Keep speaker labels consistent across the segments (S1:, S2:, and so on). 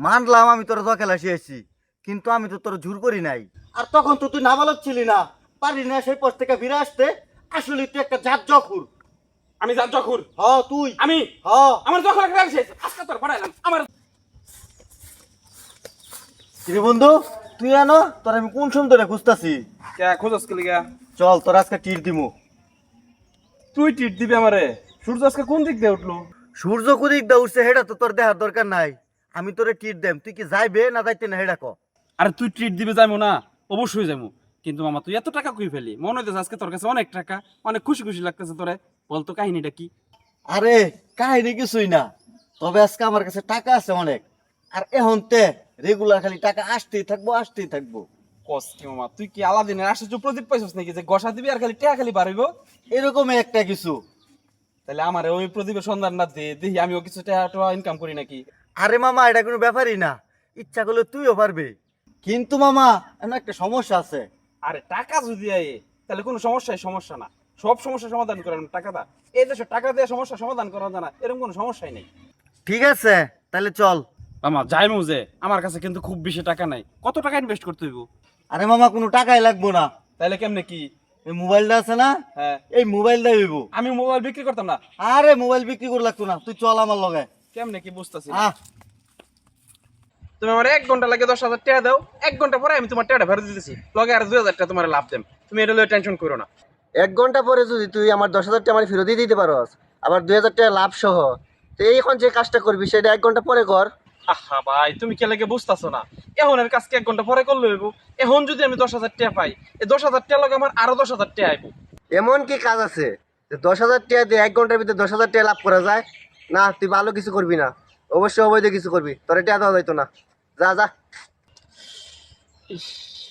S1: মানলাম আমি তোর জুয়া খেলা শিখেছি, কিন্তু আমি তো তোর জোর করি নাই। আর তখন তো তুই নাবালক ছিলি না, পারি না সেই পোস্ট থেকে ফিরে আসতে। আসলে তুই একটা জাত জখুর।
S2: আমি যার জখুর।
S1: হ তুই।
S2: আমি
S1: হ।
S2: আমার জখুর একটা শেষ আজকে তোর পড়াইলাম আমার।
S1: কিরে বন্ধু, তুই আনো তোর আমি কোন সুন্দরে খুঁজতাছি।
S2: কে খোঁজস কে লিগা?
S1: চল তোর আজকে টির দিমু।
S2: তুই টিট দিবি আমারে? সূর্য আজকে কোন দিক দিয়ে উঠলো?
S1: সূর্য কুদিক দা উঠছে হেটা তো তোর দেখার দরকার নাই। আমি তোরে টির দেম, তুই কি যাইবে না যাইতে না হেটা ক।
S2: আরে তুই ট্রিট দিবে যাইমু না? অবশ্যই যাইমু। কিন্তু মামা তুই এত টাকা কই ফেলি? মনে হইতেছে আজকে তোর কাছে অনেক টাকা, অনেক খুশি খুশি লাগতেছে তোরে। বলতো কাহিনীটা কি?
S1: আরে কাহিনী কিছুই না, তবে আজকে আমার কাছে টাকা আছে অনেক। আর এখন তে রেগুলার খালি টাকা আসতেই থাকবো আসতেই থাকবো।
S2: কস কি মামা, তুই কি আলাদিনের আশ্চর্য প্রদীপ পাইছস নাকি যে গসা দিবি আর খালি টাকা খালি বাড়িব?
S1: এরকম একটা কিছু।
S2: তাহলে আমারে ওই প্রদীপের সন্ধান না দে, দেখি আমিও কিছু টাকা ইনকাম করি নাকি।
S1: আরে মামা এটা কোনো ব্যাপারই না, ইচ্ছা করলে তুইও পারবি। কিন্তু মামা এমন একটা সমস্যা আছে।
S2: আরে টাকা যদি আয়ে তাহলে কোনো সমস্যা না। সব সমস্যার সমাধান করেন টাকা দা। এই দেশে টাকা দিয়ে সমস্যার সমাধান করা যায় না এরকম কোনো সমস্যাই নেই।
S1: ঠিক আছে তাহলে চল।
S2: মামা যাই মুজে, আমার কাছে কিন্তু খুব বেশি টাকা নাই। কত টাকা ইনভেস্ট করতে হইব?
S1: আরে মামা কোনো টাকাই লাগবো না।
S2: তাহলে কেমনে কি?
S1: এই মোবাইলটা আছে না,
S2: হ্যাঁ,
S1: এই মোবাইলটা হইব।
S2: আমি মোবাইল বিক্রি করতাম না।
S1: আরে মোবাইল বিক্রি করে লাগতো না, তুই চল আমার লগে।
S2: কেমনে কি বুঝতেছি?
S1: আহ
S2: তুমি আমার 1 ঘন্টা লাগে 10,000 টাকা দাও, 1 ঘন্টা পরে আমি তোমার টাকাটা ফেরত দিতেছি, লগে আর 2,000 টাকা তোমার লাভ দেম। তুমি এটা লয়ে টেনশন করো না।
S3: 1 ঘন্টা পরে যদি তুই আমার 10,000 টাকা আমার ফেরত দিয়ে দিতে পারস, আবার 2,000 টাকা লাভ সহ, তো এখন যে কাজটা করবি সেটা 1 ঘন্টা পরে কর।
S2: আহা ভাই, তুমি কে লাগে বুঝতেছো না? এখন এর কাজকে 1 ঘন্টা পরে করলে হইব। এখন যদি আমি 10,000 টাকা পাই, এই 10,000 টাকা লগে আমার আরো 10,000 টাকা আইব।
S3: এমন কি কাজ আছে যে 10,000 টাকা দিয়ে 1 ঘন্টার ভিতরে 10,000 টাকা লাভ করা যায়? না, তুই ভালো কিছু করবি না, অবশ্যই অবৈধ কিছু করবি, তোর টাকা দেওয়া যাইতো না। যা যা।
S2: ইস,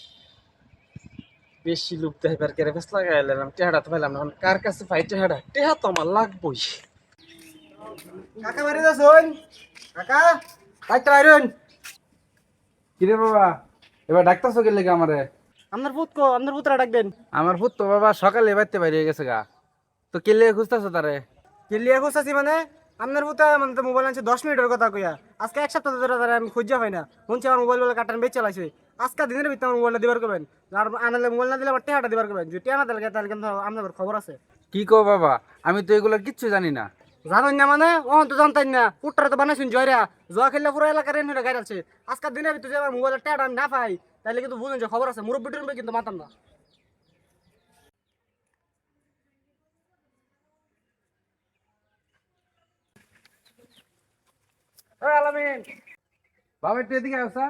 S2: বেশি লোক দেখার কেরে বেশ লাগাইলাম, টেহাটা তো পাইলাম না। এখন কার কাছে পাই টেহাটা? টেহা তো আমার লাগবই।
S4: কাকা বাড়ি যাচ্ছেন? কাকা বাইকটা বাইরুন।
S5: কিরে বাবা, এবার ডাক্তার চোখের লেগে আমারে?
S4: আপনার পুত কো, আপনার পুতরা ডাকবেন।
S5: আমার ভূত তো বাবা সকালে বাইতে বাইরে গেছে গা। তো কে লেগে খুঁজতেছো তারে?
S4: কিলিয়া খুঁজতেছি মানে আপনার পুতা মানে তো মোবাইল আনছে 10 মিনিটের কথা কইয়া। আজকে এক সপ্তাহ ধরে তারা আমি খুঁজা পাই না। শুনছি আমার মোবাইল বলে কাটান বেচ চালাইছে। আজকে দিনের ভিতরে আমার মোবাইলটা দিবার করবেন। আর আনালে মোবাইল না দিলে আমার টেহাটা দিবার করবেন। যদি টেহা না দিলে তাহলে কিন্তু আপনার খবর আছে।
S5: কি কো বাবা, আমি তো এগুলো কিচ্ছু জানি না।
S4: জানেন না মানে ওহন তো জানতেন না। পুটরা তো বানাইছেন জয়রা। জয়া খেললে পুরো এলাকার রেন হয়ে গাড়ি আছে। আজকে দিনের ভিতরে যদি আমার মোবাইলের টেহাটা না পাই তাহলে কিন্তু বুঝুন যে খবর আছে। মুরব্বী টুরব্বী কিন্তু মাতাম না।
S5: ওই আলামিন, বাবা একটু এদিকে আসা।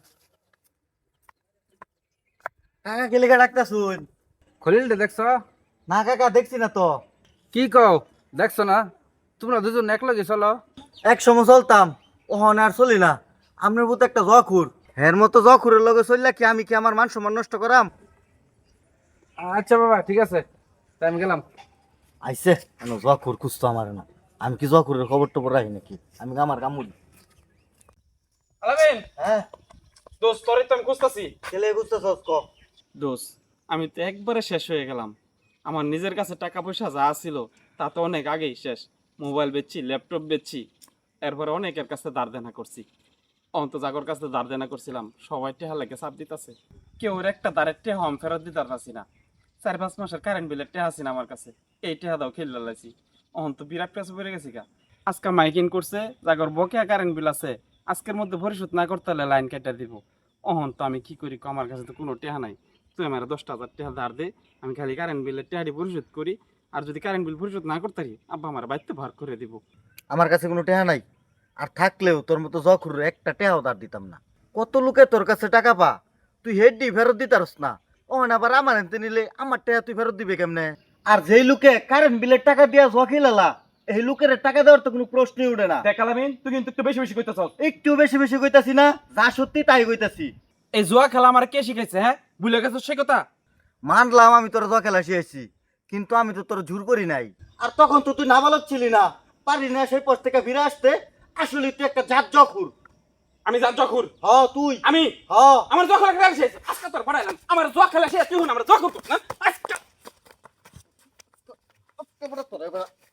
S1: কাকা কে লেগে ডাকতা শুন?
S5: খলিলটা দেখছো?
S1: না কাকা দেখছি না তো।
S5: কি কও দেখছো না? তোমরা দুজন একলগে চলো।
S1: এক সময় চলতাম, ওহন আর চলি না। আপনার মতো একটা জখুর, হের মতো জখুরের লগে চললা কি আমি কি আমার মান সম্মান নষ্ট করাম?
S5: আচ্ছা বাবা ঠিক আছে, তাই আমি গেলাম।
S1: আইসে কেন জখুর খুঁজতো আমার না। আমি কি জখুরের খবর টবর রাখি নাকি? আমি আমার কামুল।
S2: আলামিন,
S1: হ্যাঁ
S2: দোস্ত তোরে তো আমি খুঁজতাছি।
S1: ছেলে বুঝতেছ ক।
S2: দোস্ত, আমি তো একবারে শেষ হয়ে গেলাম। আমার নিজের কাছে টাকা পয়সা যা ছিল তা তো অনেক আগেই শেষ। মোবাইল বেচছি, ল্যাপটপ বেচছি, এরপরে অনেকের কাছে ধার দেনা করছি। অন্ত জাগর কাছে ধার দেনা করছিলাম, সবাই টেহা লাগে চাপ দিতেছে। কেউ একটা দাঁড়ের টেহা আমি ফেরত দিতে পারছি না। 4-5 মাসের কারেন্ট বিলের টেহা আছে না আমার কাছে, এই টেহা দাও খেলে লাইছি। অন্ত বিরাট পেঁচে পড়ে গেছি গা। আজকে মাইকিং করছে, জাগর বকেয়া কারেন্ট বিল আছে, আজকের মধ্যে পরিশোধ না করতে হলে লাইন কেটে দিব। অহন তো আমি কি করি, আমার কাছে তো কোনো টেহা নাই। তুই আমার 10,000 টাকা ধার দে, আমি খালি কারেন্ট বিলের টেহাটি পরিশোধ করি। আর যদি কারেন্ট বিল পরিশোধ না করতে পারি, আব্বা আমার বাড়িতে ভার করে দিব।
S1: আমার কাছে কোনো টেহা নাই, আর থাকলেও তোর মতো জখুর একটা টেহাও দাঁড় দিতাম না। কত লোকে তোর কাছে টাকা পা, তুই হেডডি ফেরত দিতারস না। ওহন আবার আমার এনতে নিলে আমার টেহা তুই ফেরত দিবে কেমনে? আর যেই লোকে কারেন্ট বিলের টাকা দিয়া জখিলালা, এই লোকের টাকা দেওয়ার তো কোনো প্রশ্নই উঠে না।
S2: দেখ আলামিন, তুই কিন্তু একটু বেশি বেশি কইতেছ।
S1: একটু বেশি বেশি কইতাছি না, যা সত্যি তাই কইতাছি।
S2: এই জুয়া খেলা আমার কে শিখাইছে? হ্যাঁ, ভুলে গেছো সে কথা?
S1: মানলাম আমি তোর জুয়া খেলা শিখেছি, কিন্তু আমি তো তোর জোর করি নাই। আর তখন তো তুই নাবালক ছিলি না, পারি না সেই পোস্ট থেকে ফিরে আসতে। আসলে তুই একটা জাত জখুর।
S2: আমি যার জখুর।
S1: হ তুই।
S2: আমি
S1: হ।
S2: আমার জখুর খেলা শেষ, আজকে তোর পড়াইলাম। আমার জুয়া খেলা শেষ, তুই হন আমার জখুর না আজকে।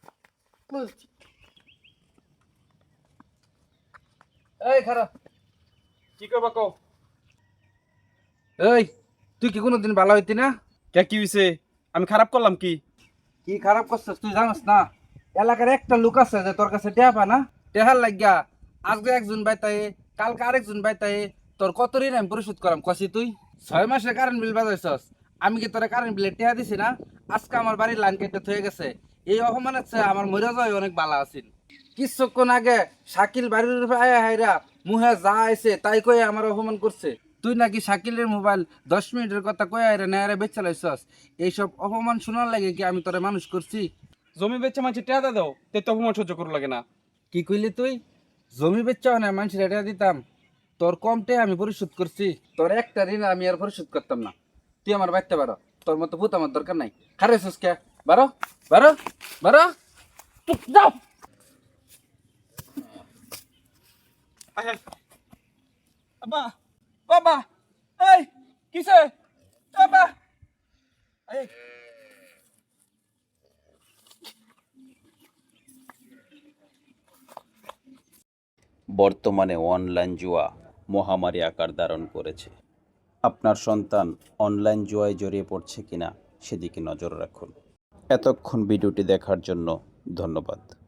S5: এই খারাপ,
S2: কি করবা কও?
S5: এই তুই কি কোনোদিন ভালো হইতি না?
S2: কে কি হইছে? আমি খারাপ করলাম কি?
S5: কি খারাপ করছিস তুই জানিস না? এলাকার একটা লোক আছে যে তোর কাছে টেহা পা না, টেহার লাগিয়া আজকে একজন বাইতাই, কালকে আরেকজন বাইতাই, তোর কত ঋণ আমি পরিশোধ করাম কষি তুই? 6 মাসে কারেন্ট বিল বাজাইছস, আমি কি তোরা কারেন্ট বিলে টেহা দিছি না? আজকে আমার বাড়ির লাইন কেটে থয়ে গেছে। এই অপমানের চেয়ে আমার মরে যাওয়াই অনেক ভালো আছিল। কিছুক্ষণ আগে শাকিল বাড়ির উপরে আয়া হাইরা মুহে যা আইছে তাই কয়ে আমার অপমান করছে। তুই নাকি শাকিলের মোবাইল 10 মিনিটের কথা কয়ে আইরা নেয়ারে বেচে লাইছস। এইসব অপমান শোনার লাগে কি আমি তোরে মানুষ করছি?
S2: জমি বেচে মাঝে টেয়া দাও, তে তো অপমান সহ্য করু লাগে না।
S5: কি কইলি তুই? জমি বেচাও না মানুষের এটা দিতাম, তোর কমটে আমি পরিশোধ করছি। তোর একটা ঋণ আমি আর পরিশোধ করতাম না। তুই আমার বাইতে পারো, তোর মতো ভূত আমার দরকার নাই। খারে সুস্কে বারো বারো বারো, চুপ যাও।
S2: আব্বা, বাবা, এই কিসে? বাবা, এই
S6: বর্তমানে অনলাইন জুয়া মহামারী আকার ধারণ করেছে। আপনার সন্তান অনলাইন জুয়ায় জড়িয়ে পড়ছে কিনা সেদিকে নজর রাখুন। এতক্ষণ ভিডিওটি দেখার জন্য ধন্যবাদ।